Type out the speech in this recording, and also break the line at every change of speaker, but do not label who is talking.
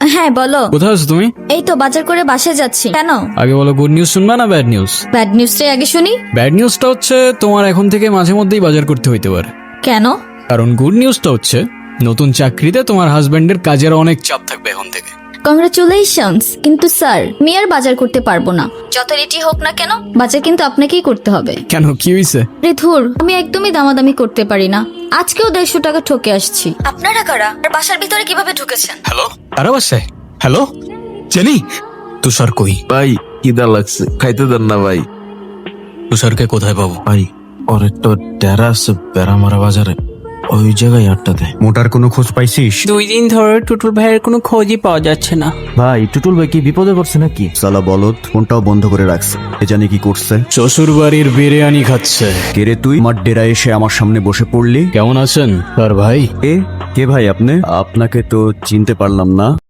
হ্যাঁ বলো।
কোথায় আছো তুমি?
এই তো বাজার করে বাসায় যাচ্ছি। কেন?
আগে বলো, গুড নিউজ শুনবা না ব্যাড নিউজ?
ব্যাড নিউজটাই আগে শুনি।
ব্যাড নিউজটা হচ্ছে তোমার এখন থেকে মাঝে মধ্যেই বাজার করতে হইতে পারে।
কেন?
কারণ গুড নিউজটা হচ্ছে নতুন চাকরিতে তোমার হাজবেন্ডের কাজের অনেক চাপ থাকবে এখন থেকে।
কংগ্রাচুলেশনস। কিন্তু স্যার, আমি আর বাজার করতে পারবো না। যত রেটি হোক না কেন, বাজার কিন্তু আপনাকেই করতে হবে।
কেন, কি হয়েছে?
রে ধুর, আমি একদমই দামাদামি করতে পারি না। আজকেও 150 টাকা ঠকে আসছি। আপনারা কারা আর বাসার ভিতরে কিভাবে ঢুকেছেন?
হ্যালো, কারা বাসায়? হ্যালো জেনি, তুষার কই?
ভাই খিদা লাগছে, খাইতে দেন না ভাই।
তুষারকে কোথায় পাবো?
ভাই ওর একটা ডেরা আছে বেড়ামারা বাজারে, ওই জায়গায় আড্ডা দেয়।
মোটার কোনো খোঁজ পাইছিস?
2 দিন ধরে টুটুল ভাইয়ের কোনো খোঁজই পাওয়া যাচ্ছে না।
ভাই টুটুল ভাই কি বিপদে পড়ছে নাকি? সালা বলদ, ফোনটাও বন্ধ করে রাখছে। এ জানি কি করছে।
শ্বশুর বাড়ির বিরিয়ানি খাচ্ছে।
কে রে তুই? আমার ডেরা এসে আমার সামনে বসে পড়লি।
কেমন আছেন আর ভাই?
কে ভাই আপনি? আপনাকে তো চিনতে পারলাম না।